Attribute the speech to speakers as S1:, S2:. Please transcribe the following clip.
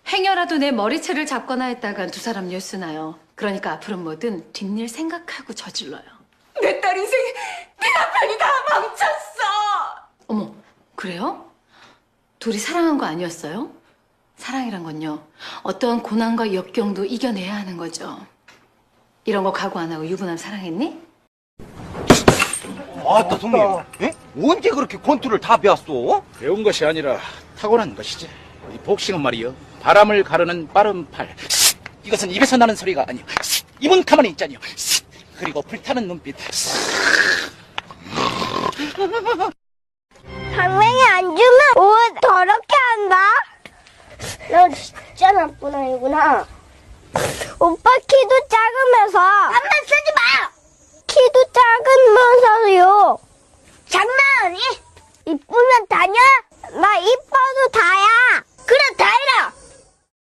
S1: 행여라도 내 머리채를 잡거나 했다간 두 사람 뉴스 나요. 그러니까 앞으로 뭐든 뒷일 생각하고 저질러요.
S2: 내 딸 인생 네 남편이 다 망쳤어.
S1: 어머, 그래요? 둘이 사랑한 거 아니었어요? 사랑이란 건요, 어떠한 고난과 역경도 이겨내야 하는 거죠. 이런 거 각오 안 하고 유부남 사랑했니?
S3: 아따 손님, 에? 언제 그렇게 권투를 다 배웠어?
S4: 배운 것이 아니라 타고난 것이지. 이 복싱은 말이요, 바람을 가르는 빠른 팔. 이것은 입에서 나는 소리가 아니요, 입은 가만히 있자니요. 그리고 불타는 눈빛.
S5: 당맹이 안 주면 옷 더럽게 한다. 너 진짜 나쁜 아이구나. 오빠 키도 작으면서 한번 쓰지 마. 키도 작으면서요. 장난하니? 이쁘면 다냐? 나 이뻐도